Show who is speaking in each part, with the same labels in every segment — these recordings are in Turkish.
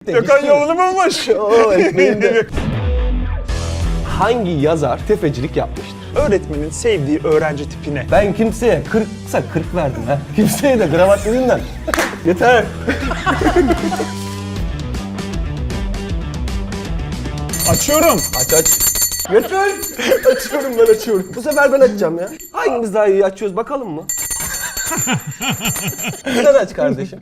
Speaker 1: Gökhan yolunu bulmuş.
Speaker 2: Oo, ekmeğinde. Hangi yazar tefecilik yapmıştır?
Speaker 1: Öğretmenin sevdiği öğrenci tipine.
Speaker 2: Ben kimseye 40'sa 40 verdim ha. Kimseye de kravat yüzünden. Yeter.
Speaker 1: Açıyorum.
Speaker 2: Aç. Yeter. Açıyorum ben açıyorum. Bu sefer ben açacağım ya. Hangimiz daha iyi açıyoruz bakalım mı? Sen aç kardeşim.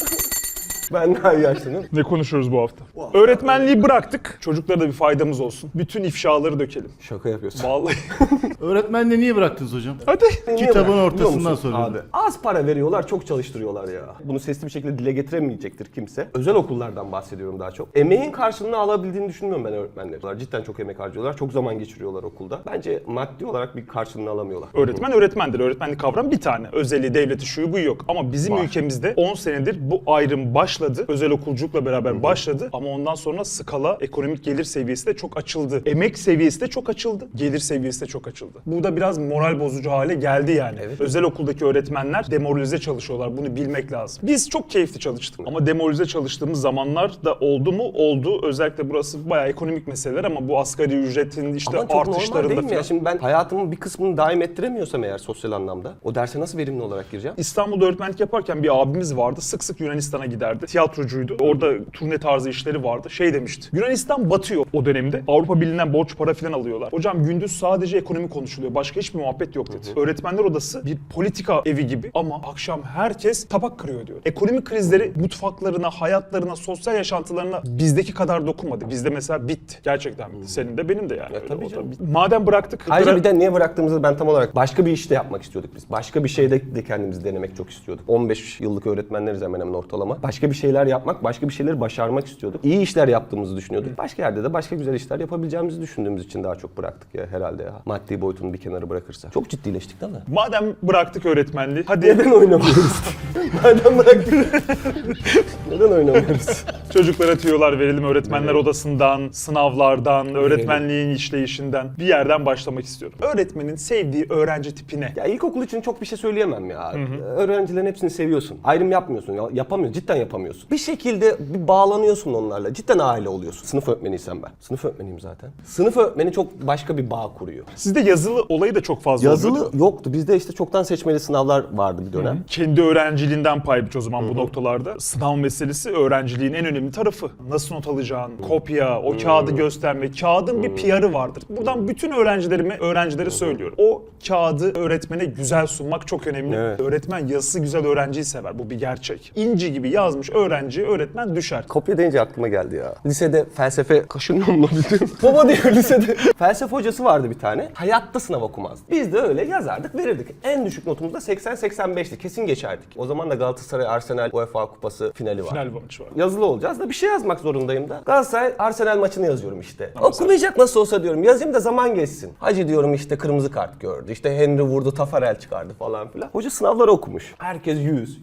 Speaker 2: Ben daha iyi açtım değil mi?
Speaker 1: Ne konuşuyoruz bu hafta? Öğretmenliği bıraktık. Çocuklara da bir faydamız olsun. Bütün ifşaları dökelim.
Speaker 2: Şaka yapıyorsun.
Speaker 1: Vallahi.
Speaker 3: Öğretmenle niye bıraktınız hocam?
Speaker 1: Hadi.
Speaker 2: Niye
Speaker 3: Kitabın
Speaker 2: bıraktın
Speaker 3: ortasından
Speaker 2: biliyor musun
Speaker 3: soruyorum.
Speaker 2: Abi, az para veriyorlar, çok çalıştırıyorlar ya. Bunu sesli bir şekilde dile getiremeyecektir kimse. Özel okullardan bahsediyorum daha çok. Emeğin karşılığını alabildiğini düşünmüyorum ben öğretmenlerin. Cidden çok emek harcıyorlar, çok zaman geçiriyorlar okulda. Bence maddi olarak bir karşılığını alamıyorlar.
Speaker 1: Öğretmen öğretmendir. Öğretmenlik kavramı bir tane. Özeli, devleti, şuyu bu yok. Ama bizim
Speaker 2: Var.
Speaker 1: ülkemizde 10 senedir bu ayrım başladı. Özel okulculukla beraber başladı. Ama ondan sonra skala, ekonomik gelir seviyesi de çok açıldı. Emek seviyesi de çok açıldı. Gelir seviyesi de çok açıldı. Bu da biraz moral bozucu hale geldi yani.
Speaker 2: Evet.
Speaker 1: Özel okuldaki öğretmenler demoralize çalışıyorlar. Bunu bilmek lazım. Biz çok keyifli çalıştık. Ama demoralize çalıştığımız zamanlar da oldu mu? Oldu. Özellikle burası bayağı ekonomik meseleler ama bu asgari ücretin işte
Speaker 2: Ama çok normal
Speaker 1: artışlarında
Speaker 2: değil mi ya?
Speaker 1: falan.
Speaker 2: Şimdi ben hayatımın bir kısmını daim ettiremiyorsam eğer sosyal anlamda, o derse nasıl verimli olarak gireceğim?
Speaker 1: İstanbul'da öğretmenlik yaparken bir abimiz vardı. Sık sık Yunanistan'a giderdi. Tiyatrocuydu. Orada turne tarzı işleri vardı. Şey demişti. Yunanistan batıyor o dönemde. Avrupa Birliği'nden borç para falan alıyorlar. Hocam gündüz sadece ekonomi konuşuluyor. Başka hiçbir muhabbet yok dedi. Öğretmenler odası bir politika evi gibi ama akşam herkes tabak kırıyor diyor. Ekonomik krizleri mutfaklarına, hayatlarına, sosyal yaşantılarına bizdeki kadar dokunmadı. Bizde mesela bitti. Gerçekten bitti. Senin de benim de yani.
Speaker 2: Ya
Speaker 1: Öyle
Speaker 2: tabii
Speaker 1: o da
Speaker 2: canım.
Speaker 1: bitti. Madem bıraktık.
Speaker 2: Ayrıca bir de niye bıraktığımızı ben tam olarak başka bir işte yapmak istiyorduk biz. Başka bir şeyde de kendimizi denemek çok istiyorduk. 15 yıllık öğretmenleriz hemen hemen ortalama. Başka bir şeyler yapmak, başka bir şeyleri başarmak istiyorduk. İyi işler yaptığımızı düşünüyorduk. Başka yerde de başka güzel işler yapabileceğimizi düşündüğümüz için daha çok bıraktık ya herhalde ya. Maddi boyutunu bir kenara bırakırsak. Çok ciddileştik değil mi?
Speaker 1: Madem bıraktık öğretmenliği. Hadi
Speaker 2: Neden oynamıyoruz? Madem bıraktık. Neden oynamıyoruz?
Speaker 1: çocuklara tüyolar verelim öğretmenler odasından, sınavlardan, öğretmenliğin işleyişinden bir yerden başlamak istiyorum. Öğretmenin sevdiği öğrenci tipine.
Speaker 2: Ya ilkokul için çok bir şey söyleyemem ya. Öğrencilerin hepsini seviyorsun. Ayrım yapmıyorsun. Ya, yapamıyorsun. Cidden yapamıyorsun. Bir şekilde bir bağlanıyorsun onlarla. Cidden aile oluyorsun. Sınıf öğretmeniysem ben. Sınıf öğretmeniyim zaten. Sınıf öğretmeni çok başka bir bağ kuruyor.
Speaker 1: Sizde yazılı olayı da çok fazla oluyor, değil
Speaker 2: Yazılı
Speaker 1: mi?
Speaker 2: yoktu. Bizde işte çoktan seçmeli sınavlar vardı bir dönem.
Speaker 1: Kendi öğrenciliğinden pay biç o zaman bu noktalarda. Sınav meselesi öğrenciliğin en önemli tarafı. Nasıl not alacağın, kopya, o kağıdı gösterme. Kağıdın bir PR'ı vardır. Buradan bütün öğrencilere söylüyorum. O kağıdı öğretmene güzel sunmak çok önemli.
Speaker 2: Evet.
Speaker 1: Öğretmen yazısı güzel öğrenciyi sever. Bu bir gerçek. İnci gibi yazmış öğretmen düşer.
Speaker 2: Kopya deyince aklıma geldi ya. Lisede felsefe kaşınıyor mu bildim. Baba diyor lisede. Felsefe hocası vardı bir tane. Hayatta sınav okumazdı. Biz de öyle yazardık verirdik. En düşük notumuz da 80-85'ti. Kesin geçerdik. O zaman da Galatasaray Arsenal UEFA Kupası finali var.
Speaker 1: Final maçı var.
Speaker 2: Yazılı olacağız da bir şey yazmak zorundayım da. Galatasaray Arsenal maçını yazıyorum işte. Okumayacak nasıl olsa diyorum. Yazayım da zaman geçsin. Hacı diyorum işte kırmızı kart gördü. İşte Henry vurdu, Tafarel çıkardı falan filan. Hoca sınavları okumuş. Herkes 100.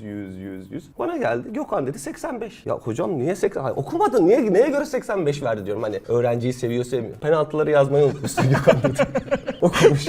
Speaker 2: Bana geldi. Gökhan dedi 85. Ya hocam niye 80? Hayır, okumadın. Neye göre 85 verdi diyorum. Hani öğrenciyi seviyor sevmiyor. Penaltıları yazmayı unutmuşsun Gökhan dedi. Okumuş.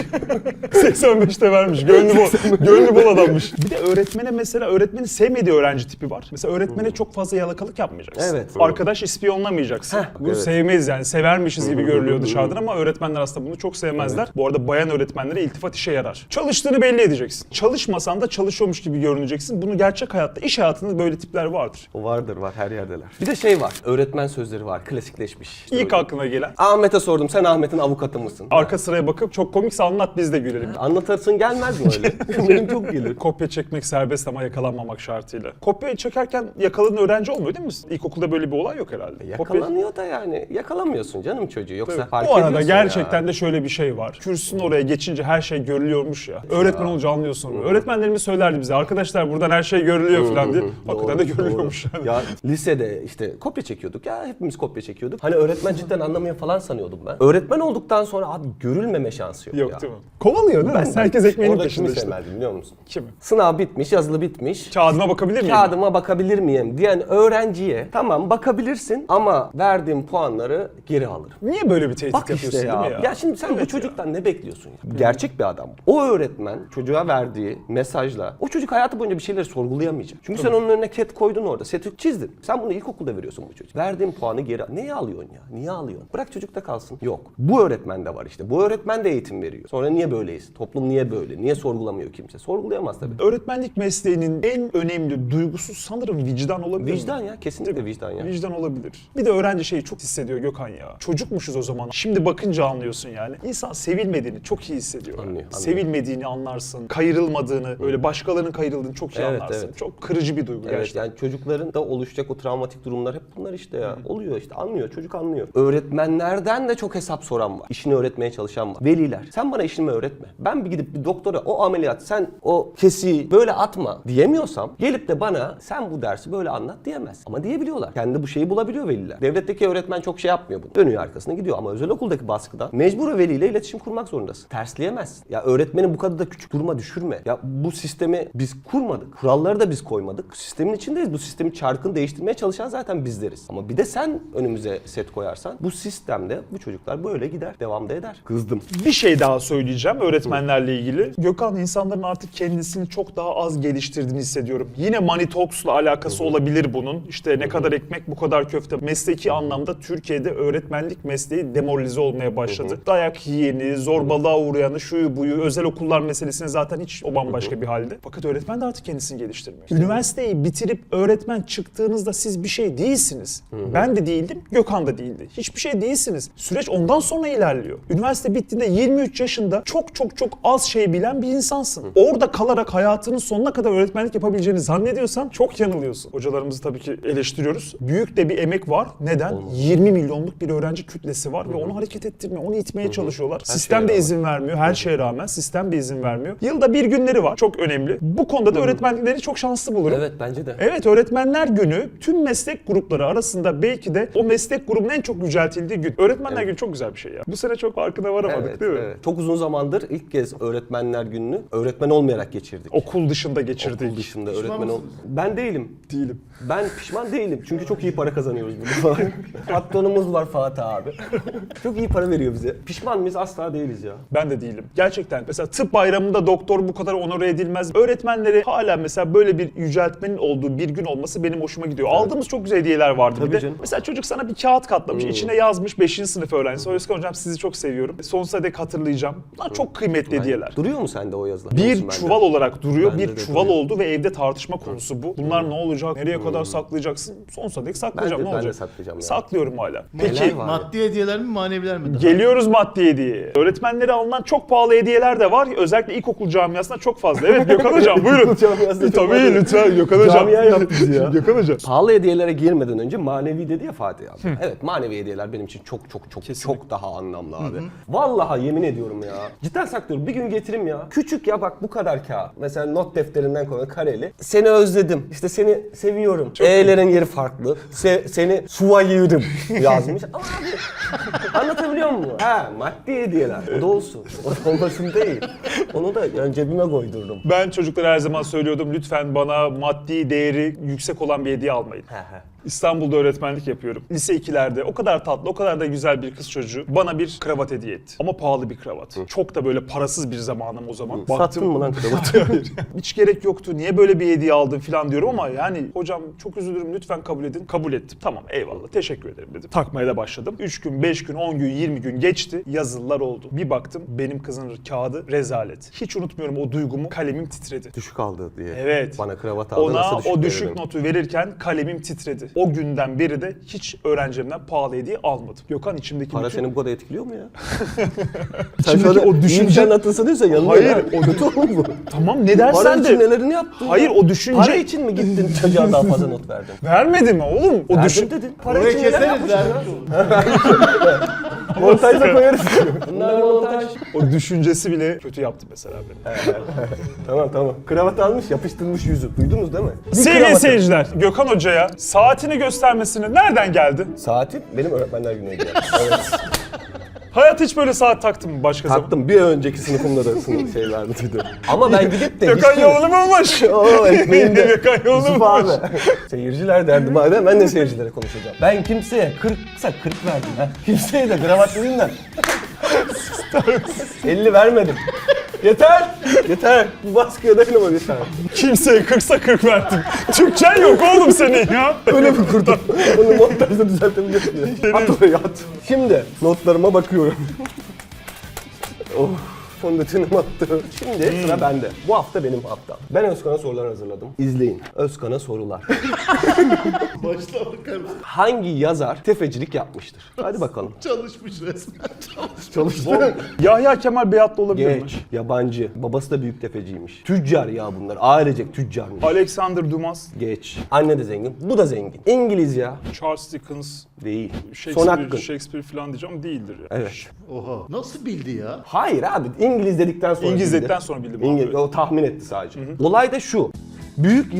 Speaker 1: 85'te vermiş. Gönlü bol adammış. Bir de öğretmene mesela öğretmenin sevmediği öğrenci tipi var. Mesela öğretmene çok fazla yalakalık yapmayacaksın.
Speaker 2: Evet.
Speaker 1: Arkadaş ispiyonlamayacaksın. Bunu
Speaker 2: evet.
Speaker 1: sevmeyiz yani. Severmişiz gibi görülüyor dışarıdan ama öğretmenler aslında bunu çok sevmezler. Bu arada bayan öğretmenlere iltifat işe yarar. Çalıştığını belli edeceksin. Çalışmasan da çalışıyormuş gibi görüneceksin. Bunu gerçek hayatta, iş hayatında böyle tipler vardır.
Speaker 2: O vardır var her yerdeler. Bir de şey var. Öğretmen sözleri var. Klasikleşmiş. İşte
Speaker 1: İlk aklına gelen.
Speaker 2: Ahmet'e sordum. Sen Ahmet'in avukatı mısın?
Speaker 1: Arka sıraya bakıp çok komikse anlat biz de gülelim.
Speaker 2: Anlatırsın gelmez mi öyle? Benim çok gelir.
Speaker 1: Kopya çekmek serbest ama yakalanmamak şartıyla. Kopya çekerken yakaladığın öğrenci olmuyor değil mi? İlkokulda böyle bir olay yok herhalde.
Speaker 2: Yakalanıyor da yani. Yakalamıyorsun canım çocuğu. Yoksa fark
Speaker 1: Bu arada
Speaker 2: ediyorsun
Speaker 1: gerçekten
Speaker 2: ya.
Speaker 1: de şöyle bir şey var. Kürsünün oraya geçince her şey görülüyormuş ya. Öğretmen olunca anlıyorsun. Öğretmenlerimiz söylerdi bize. Arkadaşlar buradan her şey görülüyor falan diye. Hakikaten de görülüyormuş yani.
Speaker 2: Ya lisede işte kopya çekiyorduk ya. Hepimiz kopya çekiyorduk. Hani öğretmen cidden anlamıyor falan sanıyordum ben. Öğretmen olduktan sonra abi görülmeme şansı şansı yok,
Speaker 1: Yok
Speaker 2: ya.
Speaker 1: değil mi? Kovalıyor değil mi? Herkes ekmeğinin
Speaker 2: orada
Speaker 1: peşinde
Speaker 2: kimi
Speaker 1: işte.
Speaker 2: sevmezdim biliyor musun?
Speaker 1: Kimi?
Speaker 2: Sınav bitmiş, yazılı bitmiş.
Speaker 1: Kağıdıma bakabilir miyim?
Speaker 2: Kağıdıma bakabilir miyim diyen öğrenciye tamam bakabilirsin ama verdiğim puanları geri alırım.
Speaker 1: Niye böyle bir tehdit
Speaker 2: Bak
Speaker 1: yapıyorsun
Speaker 2: işte ya.
Speaker 1: değil mi
Speaker 2: Ya şimdi sen bu çocuktan ne bekliyorsun ya? Gerçek bir adam. O öğretmen çocuğa verdiği mesajla o çocuk hayatı boyunca bir şeyleri sorgulayamayacak. Çünkü sen onun önüne ket koydun orada. Seti çizdin. Sen bunu ilkokulda veriyorsun bu çocuk. Verdiğin puanı geri al. Neye alıyorsun ya? Niye alıyorsun? Bırak çocukta kalsın. Yok. Bu öğretmen de var işte. Bu öğretmen de eğitim veriyor. Sonra niye böyleyiz? Toplum niye böyle? Niye sorgulamıyor kimse? Sorgulayamaz tabii.
Speaker 1: Öğretmenlik mesleğinin en önemli duygusu sanırım vicdan olabilir mi?
Speaker 2: Vicdan ya. Kesinlikle vicdan ya.
Speaker 1: Vicdan olabilir. Bir de öğrenci şeyi çok hissediyor Gökhan ya. Çocukmuşuz o zaman. Şimdi bakınca anlıyorsun yani. İnsan sevilmediğini çok iyi hissediyor.
Speaker 2: Anlıyor.
Speaker 1: Sevilmediğini anlarsın. Kayırılmadığını, böyle başkalarının kayırıldığını çok iyi
Speaker 2: Evet,
Speaker 1: anlarsın.
Speaker 2: evet.
Speaker 1: Çok kırıcı bir duygu
Speaker 2: Evet
Speaker 1: gerçekten.
Speaker 2: yani çocukların da oluşacak o travmatik durumlar hep bunlar işte ya. Oluyor işte anlıyor çocuk anlıyor. Öğretmenlerden de çok hesap soran var. İşini öğretmeye çalışan var. Veliler sen bana işimi öğretme. Ben bir gidip bir doktora o ameliyat sen o kesiyi böyle atma diyemiyorsam gelip de bana sen bu dersi böyle anlat diyemez. Ama diyebiliyorlar. Kendi bu şeyi bulabiliyor veliler. Devletteki öğretmen çok şey yapmıyor bunu. Dönüyor arkasına gidiyor ama özel okuldaki baskıda mecbur veliyle iletişim kurmak zorundasın. Tersleyemezsin. Ya öğretmenin bu kadar da küçük duruma düşürme. Ya bu sistemi biz kurmadık. Kuralları da biz koymadık. Sistemin içindeyiz. Bu sistemi çarkını değiştirmeye çalışan zaten bizleriz. Ama bir de sen önümüze set koyarsan bu sistemde bu çocuklar böyle gider. Devam da eder. Kızdım.
Speaker 1: Bir şey daha söyleyeceğim öğretmenlerle ilgili. Gökhan insanların artık kendisini çok daha az geliştirdiğini hissediyorum. Yine Money Talks'la alakası olabilir bunun. İşte ne kadar ekmek bu kadar köfte. Mesleki anlamda Türkiye'de öğretmenlik mesleği demoralize olmaya başladı. Dayak yiyeni, zorbalığa uğrayanı, şuyu buyu, özel okullar meselesini zaten hiç o bambaşka bir halde. Fakat öğretmen de artık kendisini geliştirmiyor. Üniversiteyi bitirip öğretmen çıktığınızda siz bir şey değilsiniz. Ben de değildim, Gökhan da değildi. Hiçbir şey değilsiniz. Süreç ondan sonra ilerliyor. Üniversite bittiğinde 23 yaşında çok az şey bilen bir insansın. Orada kalarak hayatının sonuna kadar öğretmenlik yapabileceğini zannediyorsan çok yanılıyorsun. Hocalarımızı tabii ki eleştiriyoruz. Büyük de bir emek var. Neden? 20 milyonluk bir öğrenci kütlesi var ve onu hareket ettirmeye, onu itmeye çalışıyorlar. Sistem de izin vermiyor. Her şeye rağmen sistem de izin vermiyor. Yılda bir günleri var. Çok önemli. Bu konuda da öğretmenleri çok şanslı bulurum.
Speaker 2: Evet bence de.
Speaker 1: Evet, Öğretmenler Günü tüm meslek grupları arasında belki de o meslek grubunun en çok yüceltildiği gün. Öğretmenler Günü çok güzel bir şey ya. Bu sene çok farkına varamadık
Speaker 2: Evet,
Speaker 1: değil mi?
Speaker 2: evet. Çok uzun zamandır ilk kez öğretmenler gününü öğretmen olmayarak geçirdik.
Speaker 1: Okul dışında geçirdik.
Speaker 2: Okul dışında öğretmen ol.
Speaker 3: mısınız?
Speaker 2: Ben değilim.
Speaker 1: Değilim.
Speaker 2: Ben pişman değilim. Çünkü çok iyi para kazanıyoruz burada. Patronumuz var Fatih abi. Çok iyi para veriyor bize. Pişman mıyız? Asla değiliz ya.
Speaker 1: Ben de değilim. Gerçekten mesela tıp bayramında doktor bu kadar onore edilmez. Öğretmenleri hala mesela böyle bir yüceltmenin olduğu bir gün olması benim hoşuma gidiyor. Aldığımız çok güzel hediyeler vardı
Speaker 2: Tabii
Speaker 1: bir de.
Speaker 2: canım.
Speaker 1: Mesela çocuk sana bir kağıt katlamış. İçine yazmış 5. sınıf öğrencisi. Özkan hocam sizi çok seviyorum. Sonsuza dek hatırlayacağım. Bunlar çok kıymetli hediyeler.
Speaker 2: Duruyor mu sende o yazılar?
Speaker 1: Bir
Speaker 2: Olsun
Speaker 1: çuval olarak duruyor.
Speaker 2: Bende
Speaker 1: Bir
Speaker 2: de
Speaker 1: çuval
Speaker 2: duruyor.
Speaker 1: oldu ve evde tartışma konusu bu. Bunlar ne olacak? Nereye kadar saklayacaksın? Sonsuza dek saklayacağım.
Speaker 2: Ben de
Speaker 1: Ne olacak?
Speaker 2: saklayacağım ya.
Speaker 1: Saklıyorum hala.
Speaker 2: Neler
Speaker 1: Peki
Speaker 2: var?
Speaker 3: Maddi hediyeler mi maneviler mi?
Speaker 1: geliyoruz maddi hediye. Öğretmenlere alınan çok pahalı hediyeler de var. Özellikle ilkokul camiasında çok fazla. Evet Gökhan hocam buyurun.
Speaker 2: Camiasında çok
Speaker 1: Tabii
Speaker 2: fazla.
Speaker 1: lütfen Gökhan hocam.
Speaker 2: Camia yaptı bizi ya.
Speaker 1: Gökhan hocam.
Speaker 2: Pahalı hediyelere girmeden önce manevi dedi ya Fatih abi. Evet manevi hediyeler benim için çok daha anlamlı abi. Vallahi yemin ediyorum ya. Cidden saklıyorum. Bir gün getireyim ya. Küçük ya bak bu kadar kağıt. Mesela not defterinden koyuyor kareli. Seni özledim. İşte seni seviyorum. E'lerin yeri farklı. Seni suvayırım yazmış. Ama abi anlatabiliyor muyum? Ha maddi hediyeler. O da olsun. O da olmasın değil. Onu da yani cebime koydurdum.
Speaker 1: Ben çocuklara her zaman söylüyordum lütfen bana maddi değeri yüksek olan bir hediye almayın. İstanbul'da öğretmenlik yapıyorum. Lise 2'lerde o kadar tatlı, o kadar da güzel bir kız çocuğu bana bir kravat hediye etti. Ama pahalı bir kravat. Çok da böyle parasız bir zamanım o zaman.
Speaker 2: Sattın mı lan kravatı?
Speaker 1: Hayır. Hiç gerek yoktu. Niye böyle bir hediye aldın falan diyorum ama yani hocam çok üzülürüm lütfen kabul edin. Kabul ettim. Tamam eyvallah teşekkür ederim dedim. Takmaya da başladım. 3 gün, 5 gün, 10 gün, 20 gün geçti. Yazılılar oldu. Bir baktım benim kızın kağıdı rezalet. Hiç unutmuyorum o duygumu. Kalemim titredi.
Speaker 2: Düşük aldı diye.
Speaker 1: Evet.
Speaker 2: Bana kravat aldı.
Speaker 1: Ona
Speaker 2: nasıl
Speaker 1: o düşük
Speaker 2: veririm?
Speaker 1: notu verirken kalemim titredi. O günden beri de hiç öğrencimden pahalı hediye almadım. Gökhan içimdeki
Speaker 2: Para
Speaker 1: bütün...
Speaker 2: seni bu kadar etkiliyor mu ya? Sen
Speaker 1: İçimdeki
Speaker 2: şöyle
Speaker 1: o düşünce-
Speaker 2: anlatılsa diyorsa yanılıyor.
Speaker 1: Hayır,
Speaker 2: ya.
Speaker 1: o
Speaker 2: kötü oğlum bu.
Speaker 1: Tamam ne
Speaker 2: Para
Speaker 1: dersen
Speaker 2: için
Speaker 1: de.
Speaker 2: nelerini yaptın?
Speaker 1: Hayır,
Speaker 2: ya?
Speaker 1: o düşünce-
Speaker 2: Para için mi gittin çocuğa daha fazla not verdin?
Speaker 1: Vermedi mi oğlum? O
Speaker 2: Verdim
Speaker 1: düşün...
Speaker 2: dedin. Para
Speaker 3: Orayı
Speaker 2: için neler
Speaker 3: keseriz
Speaker 2: yapmışsın
Speaker 3: ya.
Speaker 2: ya? Montajda koyarız. Bunlar montaj.
Speaker 1: O düşüncesi bile kötü yaptı mesela beni.
Speaker 2: Tamam. Kravat almış yapıştırmış yüzü. Duydunuz değil mi? Bir
Speaker 1: Sevgili
Speaker 2: kravatı.
Speaker 1: seyirciler, Gökhan Hoca'ya saatini göstermesini nereden geldi?
Speaker 2: Saati benim öğretmenler günüydü. Yani. Evet.
Speaker 1: Hayat hiç böyle saat taktın mı başka zaman?
Speaker 2: Taktım. Bir önceki sınıfımda da şey vardı. Ama ben gidip de
Speaker 1: Gökhan Yolunu mu olmuş?
Speaker 2: Oo, ekmeğinde.
Speaker 1: Gökhan Yolunu
Speaker 2: Yusuf
Speaker 1: mu
Speaker 2: abi.
Speaker 1: olmuş?
Speaker 2: Seyirciler derdi madem ben de seyircilere konuşacağım. Ben kimseye 40'sa 40 verdim ha. Kimseye de kravat yüzünden 50 vermedim. Yeter! Yeter! Bu baskıya dayanamam yeter.
Speaker 1: Kimseye 40'sa 40 verdin. Türkçen yok oğlum senin ya.
Speaker 2: Öyle mi kurdum? Onu montajda düzeltebiliyorsun ya. At oraya at. Şimdi notlarıma bakıyorum. Oh. Fondötenimi attı. Şimdi sıra bende. Bu hafta benim haftam. Ben Özkan'a sorular hazırladım. İzleyin. Özkan'a sorular.
Speaker 3: Başla bakar mısın?
Speaker 2: Hangi yazar tefecilik yapmıştır? Hadi bakalım.
Speaker 3: Çalışmış resmen.
Speaker 2: Çalıştı.
Speaker 1: Yahya Kemal Beyatlı olabilir mi?
Speaker 2: Geç. Yabancı. Babası da büyük tefeciymiş. Tüccar ya bunlar. Ailecek tüccarmış.
Speaker 1: Alexander Dumas,
Speaker 2: Geç. Anne de zengin. Bu da zengin. İngiliz ya.
Speaker 1: Charles Dickens,
Speaker 2: Değil. Son
Speaker 1: Shakespeare,
Speaker 2: hakkın.
Speaker 1: Shakespeare falan diyeceğim değildir ya.
Speaker 2: Evet.
Speaker 3: Oha. Nasıl bildi ya?
Speaker 2: Hayır abi. İngiliz dedikten sonra
Speaker 1: İngiliz
Speaker 2: bildi.
Speaker 1: dedikten sonra bildim abi.
Speaker 2: İngiliz. O tahmin etti sadece. Olay da şu. Büyük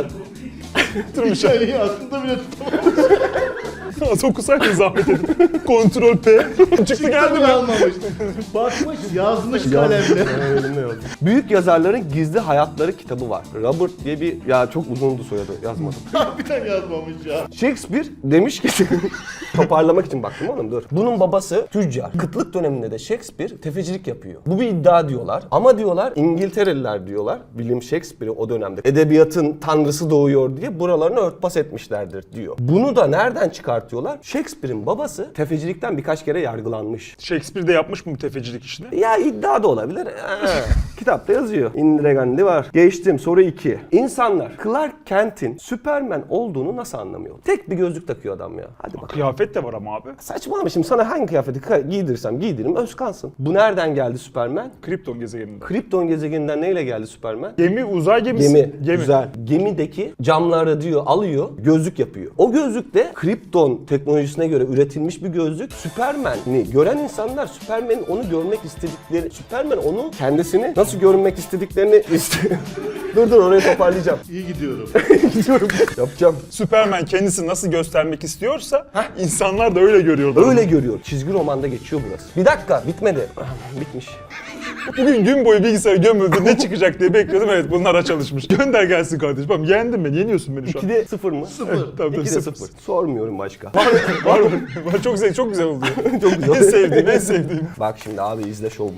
Speaker 1: Durmuş.
Speaker 3: Hikayeyi aklında bile tutamamış.
Speaker 1: Az okusaydın zahmet edip. Kontrol P. Çıktı geldi mi?
Speaker 3: Almamış. Bakmış yazmış kalemle.
Speaker 2: Büyük yazarların gizli hayatları kitabı var. Robert diye bir ya çok uzundu soyadı yazmadım.
Speaker 3: Harbiden yazmamış ya.
Speaker 2: Shakespeare demiş ki toparlamak için baktım oğlum dur. Bunun babası tüccar. Kıtlık döneminde de Shakespeare tefecilik yapıyor. Bu bir iddia diyorlar. Ama diyorlar İngiltereliler diyorlar. William Shakespeare'i o dönemde edebiyatın tanrısı doğuyor diye buralarını örtbas etmişlerdir diyor. Bunu da nereden çıkartıyorlar? Shakespeare'in babası tefecilikten birkaç kere yargılanmış.
Speaker 1: Shakespeare de yapmış mı bu tefecilik işini?
Speaker 2: Ya iddia da olabilir. Kitapta yazıyor. Indira Gandhi var. Geçtim. Soru 2. İnsanlar Clark Kent'in Superman olduğunu nasıl anlamıyor? Tek bir gözlük takıyor adam ya. Hadi bakalım.
Speaker 1: Kıyafet de var ama abi.
Speaker 2: Saçmalama şimdi sana hangi kıyafeti giydirirsem giydiririm Özkansın. Bu nereden geldi Superman?
Speaker 1: Krypton gezegeninde.
Speaker 2: Krypton gezegeninden neyle geldi Superman?
Speaker 1: Gemi, uzay gemisi.
Speaker 2: Gemi. Güzel. Gemideki camları diyor alıyor, gözlük yapıyor. O gözlük de Krypton teknolojisine göre üretilmiş bir gözlük. Superman'i gören insanlar Superman'in onu görmek istedikleri, Superman onu kendisini nasıl görünmek istediklerini dur orayı toparlayacağım.
Speaker 3: İyi gidiyorum.
Speaker 2: Gidiyorum. Yapacağım.
Speaker 1: Superman kendisini nasıl göstermek istiyorsa insanlar da öyle görüyorlar.
Speaker 2: Öyle görüyor. Çizgi romanda geçiyor burası. Bir dakika bitmedi. Bitmiş.
Speaker 1: Bugün gün boyu bilgisayar gömüldü ne çıkacak diye bekliyordum. Evet bunlara çalışmış. Gönder gelsin kardeşim. Tamam yendin beni, yeniyorsun beni şu an.
Speaker 2: 2'de 0 mı?
Speaker 3: 0.
Speaker 1: Tabii,
Speaker 2: 2'de
Speaker 1: sıfır.
Speaker 2: 0. Sormuyorum başka.
Speaker 1: Var. Çok güzel, çok güzel oldu.
Speaker 2: Çok güzel.
Speaker 1: En sevdiğim.
Speaker 2: Bak şimdi abi izle şovumu.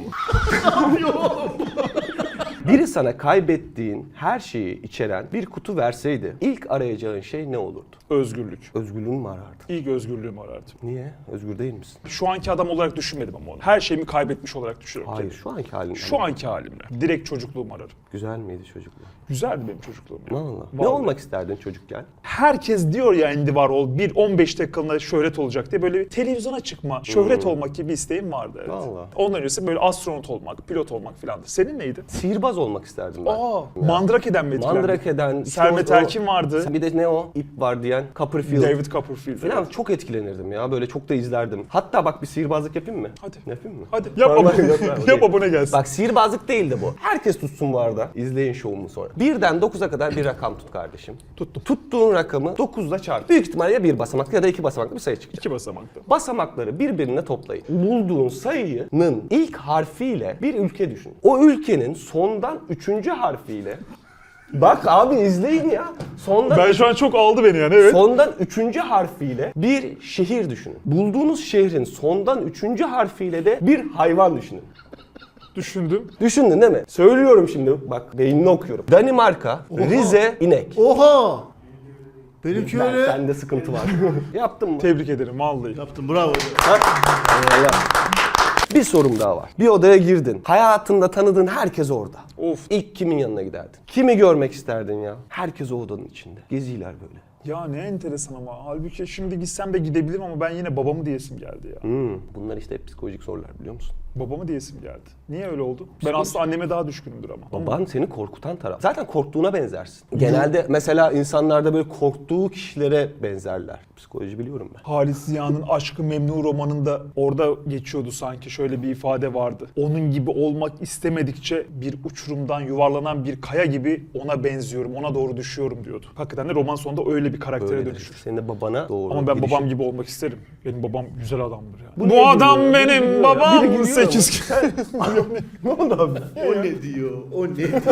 Speaker 2: Biri sana kaybettiğin her şeyi içeren bir kutu verseydi ilk arayacağın şey ne olurdu?
Speaker 1: Özgürlük.
Speaker 2: Özgürlüğünü mü arardın?
Speaker 1: İlk özgürlüğümü arardım.
Speaker 2: Niye? Özgür değil misin?
Speaker 1: Şu anki adam olarak düşünmedim ama onu. Her şeyimi kaybetmiş olarak düşünüyorum.
Speaker 2: Hayır, şu anki halin.
Speaker 1: Şu anki halimle. Direkt çocukluğumu ararım.
Speaker 2: Güzel miydi çocukluğun?
Speaker 1: Güzeldi benim çocukluğum. ya.
Speaker 2: Allah. Ne
Speaker 1: Vallahi.
Speaker 2: olmak isterdin çocukken?
Speaker 1: Herkes diyor ya Andy Warhol 15 dakikalığına şöhret olacak diye böyle bir televizyona çıkma, şöhret olmak gibi bir isteğim vardı. Evet.
Speaker 2: Vallahi.
Speaker 1: Ondan öncesi böyle astronot olmak, pilot olmak filandı. Senin neydi?
Speaker 2: Sihirbaz olmak isterdim ben.
Speaker 1: Aa, Mandrake'den mi etkilendin?
Speaker 2: Mandrake'den. işte
Speaker 1: Sermet
Speaker 2: o-
Speaker 1: Erkin vardı.
Speaker 2: Bir de ne o? İp var diyen. Copperfield.
Speaker 1: David Copperfield.
Speaker 2: Falan çok etkilenirdim ya. Böyle çok da izlerdim. Hatta bak bir sihirbazlık yapayım mı?
Speaker 1: Hadi.
Speaker 2: Yapayım mı?
Speaker 1: Hadi yap
Speaker 2: Tamam,
Speaker 1: abone,
Speaker 2: yok, ben
Speaker 1: yap
Speaker 2: değil.
Speaker 1: abone gelsin.
Speaker 2: Bak sihirbazlık değildi bu. Herkes tutsun bu arada. İzleyin şovumu sonra. 1'den 9'a kadar bir rakam tut kardeşim.
Speaker 1: Tuttum.
Speaker 2: Tuttuğun rakamı 9'la çarp. Büyük ihtimalle ya bir basamaklı ya da iki basamaklı bir sayı çıkacak.
Speaker 1: 2 basamakta.
Speaker 2: Basamakları birbirine toplayın. Bulduğun sayının ilk harfiyle bir ülke düşün. O ülkenin sondan 3. harfiyle bak abi izleyin ya. Sondan
Speaker 1: Ben şu an çok aldı beni yani evet.
Speaker 2: Sondan 3. harfiyle bir şehir düşünün. Bulduğunuz şehrin sondan 3. harfiyle de bir hayvan düşünün.
Speaker 1: Düşündüm.
Speaker 2: Düşündün değil mi? Söylüyorum şimdi bak beynini okuyorum. Danimarka, Rize, inek.
Speaker 3: Oha! Benimki öyle.
Speaker 2: Sende sıkıntı var. Yaptın mı?
Speaker 1: Tebrik ederim vallahi.
Speaker 3: Yaptım bravo.
Speaker 2: Eyvallah. Bir sorum daha var. Bir odaya girdin. Hayatında tanıdığın herkes orada.
Speaker 1: Of.
Speaker 2: İlk kimin yanına giderdin? Kimi görmek isterdin ya? Herkes o odanın içinde. Geziler böyle.
Speaker 1: Ya ne enteresan ama. Halbuki şimdi gitsem de gidebilirim ama ben yine babamı diyesim geldi ya.
Speaker 2: Bunlar işte hep psikolojik sorular biliyor musun?
Speaker 1: Babamı diyesim geldi. Niye öyle oldu? Ben aslında anneme daha düşkünümdür ama.
Speaker 2: Baban seni korkutan taraf. Zaten korktuğuna benzersin. Genelde mesela insanlarda böyle korktuğu kişilere benzerler. Psikoloji biliyorum ben.
Speaker 1: Halis Ziya'nın Aşk-ı Memnu romanında orada geçiyordu sanki, şöyle bir ifade vardı. Onun gibi olmak istemedikçe bir uçurumdan yuvarlanan bir kaya gibi ona benziyorum, ona doğru düşüyorum diyordu. Hakikaten de roman sonunda öyle bir karaktere
Speaker 2: Öyledir.
Speaker 1: dönüşür.
Speaker 2: Senin de babana doğru.
Speaker 1: Ama ben
Speaker 2: gidişin.
Speaker 1: babam gibi olmak isterim. Benim babam güzel adamdır ya.
Speaker 2: Bu
Speaker 1: Bu
Speaker 2: niye
Speaker 1: adam
Speaker 2: gülüyor? Biri
Speaker 1: benim
Speaker 2: gülüyor ya. Biri
Speaker 1: babam.
Speaker 2: gülüyor
Speaker 1: 8
Speaker 2: Ne oldu abi?
Speaker 3: O ne diyor? O ne diyor?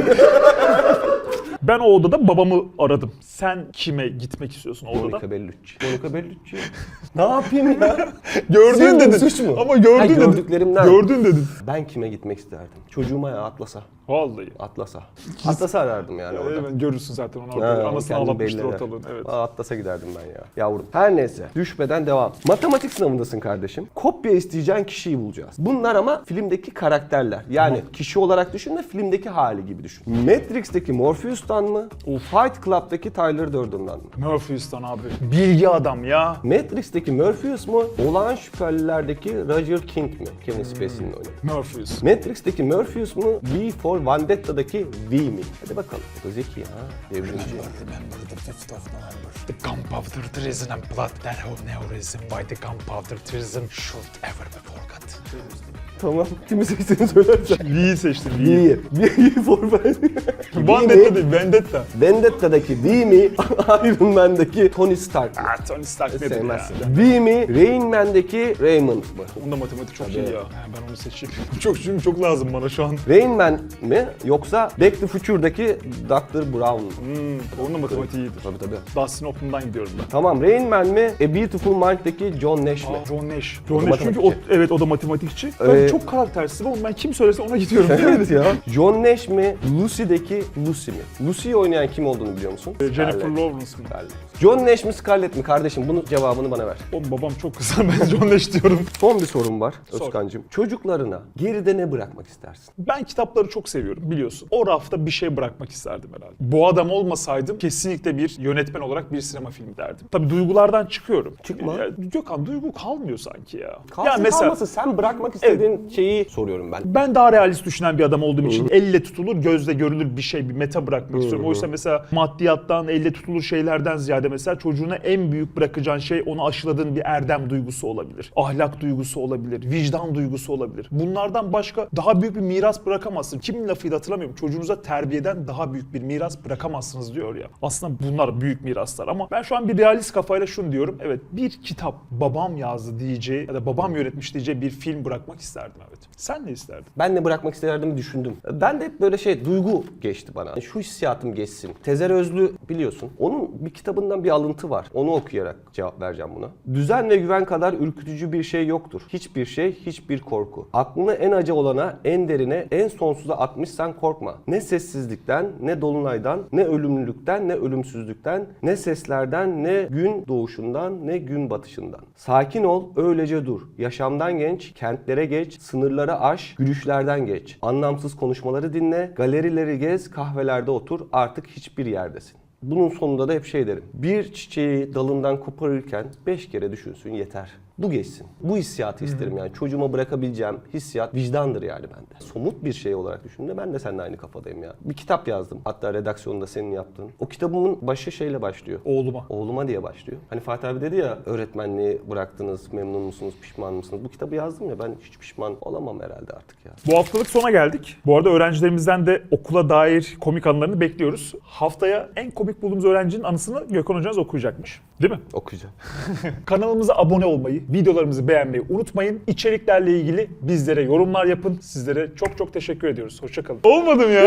Speaker 1: Ben o odada babamı aradım. Sen kime gitmek istiyorsun o odada?
Speaker 2: Monica Bellucci. Monica Bellucci. Ne yapayım ya?
Speaker 1: Gördün
Speaker 2: Sevdiğim
Speaker 1: dedin.
Speaker 2: suç mu?
Speaker 1: Ama gördün
Speaker 2: Ha,
Speaker 1: dedin.
Speaker 2: gördüklerimden.
Speaker 1: Gördün dedin.
Speaker 2: Ben kime gitmek isterdim? Çocuğuma ya Atlas'a.
Speaker 1: Vallahi.
Speaker 2: Atlas'a. Atlas'a arardım yani orada.
Speaker 1: Evet, görürsün zaten onu
Speaker 2: Ha,
Speaker 1: orada. Anasını
Speaker 2: kendini
Speaker 1: ağlatmıştır
Speaker 2: belli eder.
Speaker 1: ortalığın. Evet.
Speaker 2: Atlas'a giderdim ben ya. Yavrum. Her neyse. Düşmeden devam. Matematik sınavındasın kardeşim. Kopya isteyeceğin kişiyi bulacağız. Bunlar ama filmdeki karakterler. Yani kişi olarak düşünme, filmdeki hali gibi düşün. Matrix'teki Morpheus'tan mı? Fight Club'daki Tyler Durden'dan mı?
Speaker 1: Murphy'stan abi. Bilgi adam ya.
Speaker 2: Matrix'teki Morpheus mu? Olağan şüphelilerdeki Roger King mi? Kevin Spacey'nin oynadığı.
Speaker 1: Murphy's.
Speaker 2: Matrix'teki Morpheus mu? V for Vendetta'daki V mi? Hadi bakalım. Bu da zeki ha. Devrimci.
Speaker 1: Remember the 5th of November. The gunpowder treason and blood that have never risen by the gunpowder treason should ever be forgot.
Speaker 2: Tamam. Kimi seçtiğini söylersen.
Speaker 1: V'yi seçtim. V'yi.
Speaker 2: V'yi. V for Vendetta.
Speaker 1: Vendetta değil, Vendetta.
Speaker 2: Vendetta'daki V mi? Iron Man'daki Tony Stark mı?
Speaker 1: Ah, Tony Stark nedir ya?
Speaker 2: Sevmezsin. V mi? Rain Man'deki Raymond mı?
Speaker 1: Onda matematik çok iyi ya. Ben onu seçeyim. Çünkü çok lazım bana şu an.
Speaker 2: Rain Man mi? Yoksa Back to Future'daki Dr. Brown mu?
Speaker 1: Onun da matematiği iyidir.
Speaker 2: Tabii tabii.
Speaker 1: Dustin Hoffman'dan gidiyorum ben.
Speaker 2: Tamam, Rain Man mi? A Beautiful Mind'deki John Nash mi?
Speaker 1: John Nash.
Speaker 2: O
Speaker 1: John
Speaker 2: da
Speaker 1: Nash çünkü
Speaker 2: matematikçi.
Speaker 1: evet o da matematikçi. Ben çok karaktersiz oğlum, ben kim söylese ona gidiyorum.
Speaker 2: Evet ya. John Nash mi? Lucy'deki Lucy mi? Lucy'yi oynayan kim olduğunu biliyor musun?
Speaker 1: Jennifer
Speaker 2: Scarlett.
Speaker 1: Lawrence mı?
Speaker 2: Scarlett. John Nash mi Scarlett mi? Kardeşim bunun cevabını bana ver.
Speaker 1: Oğlum babam çok kısa, ben John Nash diyorum.
Speaker 2: Son bir sorum var
Speaker 1: Sor.
Speaker 2: Özkan'cığım. Çocuklarına geride ne bırakmak istersin?
Speaker 1: Ben kitapları çok seviyorum biliyorsun. O rafta bir şey bırakmak isterdim herhalde. Bu adam olmasaydım kesinlikle bir yönetmen olarak bir sinema filmi derdim. Tabii duygulardan çıkıyorum.
Speaker 2: Çıkma.
Speaker 1: Ya, Gökhan, duygu kalmıyor sanki ya.
Speaker 2: Kalsın kalmasın, sen bırakmak istediğin şeyi soruyorum ben.
Speaker 1: Ben daha realist düşünen bir adam olduğum için elle tutulur, gözle görülür bir şey, bir meta bırakmak istiyorum. Oysa mesela maddiyattan, elle tutulur şeylerden ziyade mesela çocuğuna en büyük bırakacağın şey onu aşıladığın bir erdem duygusu olabilir. Ahlak duygusu olabilir, vicdan duygusu olabilir. Bunlardan başka daha büyük bir miras bırakamazsın. Kimin lafıydı hatırlamıyorum. Çocuğunuza terbiyeden daha büyük bir miras bırakamazsınız diyor ya. Aslında bunlar büyük miraslar ama ben şu an bir realist kafayla şunu diyorum. Evet, bir kitap babam yazdı diyeceği ya da babam yönetmiş diyeceği bir film bırakmak isterdim, evet. Sen ne isterdin?
Speaker 2: Ben ne bırakmak isterdim düşündüm. Ben de hep böyle duygu geçti bana. Şu hissiyatım geçsin. Tezer Özlü biliyorsun. Onun bir kitabından bir alıntı var. Onu okuyarak cevap vereceğim buna. Düzen ve güven kadar ürkütücü bir şey yoktur. Hiçbir şey, hiçbir korku. Aklını en acı olana, en derine, en sonsuza atmışsan korkma. Ne sessizlikten, ne dolunaydan, ne ölümlülükten, ne ölümsüzlükten, ne seslerden, ne gün doğuşundan, ne gün batışından. Sakin ol, öylece dur. Yaşamdan genç, kentlere geç, sınırları aş, gülüşlerden geç. Anlamsız konuşmaları dinle, galerileri gez, kahvelerde otur, artık hiçbir yerdesin. Bunun sonunda da hep şey derim. Bir çiçeği dalından koparırken 5 kere düşünsün yeter. Bu geçsin. Bu hissiyatı isterim yani. Çocuğuma bırakabileceğim hissiyat vicdandır yani bende. Somut bir şey olarak düşündüğümde ben de seninle aynı kafadayım ya. Bir kitap yazdım. Hatta redaksiyonunda senin yaptığın. O kitabımın başı şeyle başlıyor.
Speaker 1: Oğluma.
Speaker 2: Oğluma diye başlıyor. Hani Fatih abi dedi ya, öğretmenliği bıraktınız, memnun musunuz, pişman mısınız? Bu kitabı yazdım ya, ben hiç pişman olamam herhalde artık ya.
Speaker 1: Bu haftalık sona geldik. Bu arada öğrencilerimizden de okula dair komik anılarını bekliyoruz. Haftaya en komik bulduğumuz öğrencinin anısını Gökhan Hocanız okuyacakmış. Değil mi?
Speaker 2: Okuyacağım.
Speaker 1: Kanalımıza abone olmayı, videolarımızı beğenmeyi unutmayın. İçeriklerle ilgili bizlere yorumlar yapın. Sizlere çok çok teşekkür ediyoruz. Hoşçakalın. Olmadım ya.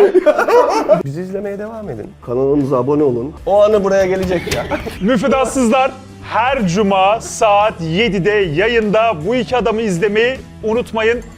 Speaker 2: Bizi izlemeye devam edin. Kanalımıza abone olun. O anı buraya gelecek ya.
Speaker 1: Müfredatsızlar her cuma saat 7'de yayında. Bu iki adamı izlemeyi unutmayın.